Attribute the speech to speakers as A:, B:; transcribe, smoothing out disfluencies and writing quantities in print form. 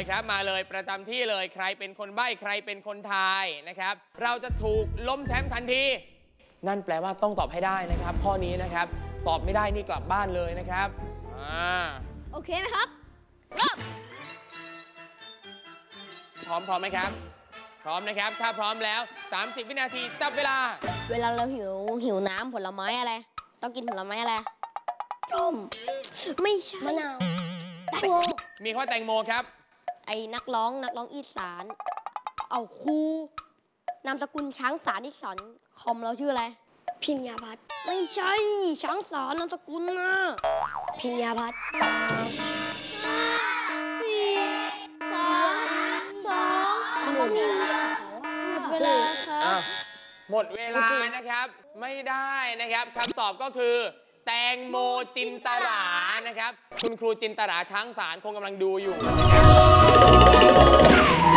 A: ครับมาเลยประจำที่เลยใครเป็นคนใบ้ใครเป็นคนทายนะครับเราจะถูกล้มแชมป์ทันทีนั่นแปลว่าต้องตอบให้ได้นะครับข้อนี้นะครับตอบไม่ได้นี่กลับบ้านเลยนะครับ
B: โอเคไหมครับ
A: พร้อมไหมครับพร้อมนะครับถ้าพร้อมแล้ว30วินาทีจับเวลา
B: เราหิวน้ำผลไม้อะไรต้องกินผลไม้อะไรส้มไม่ใช่มะนาวแตงโม
A: มีข้อแตงโมครับ
B: ไอ้นักร้องอีสานเอาครูนามสกุลช้างสารที่สอนคอมเราชื่ออะไรพิญญาพัฒน์ไม่ใช่ช้างสารนามสกุลนะพิญญาพัฒน์4 3 2 1เวลาครับ
A: หมดเวลานะครับไม่ได้นะครับคำตอบก็คือแตงโมจินตรานะครับคุณครูจินตราช้างสารคงกำลังดูอยู่นะครับ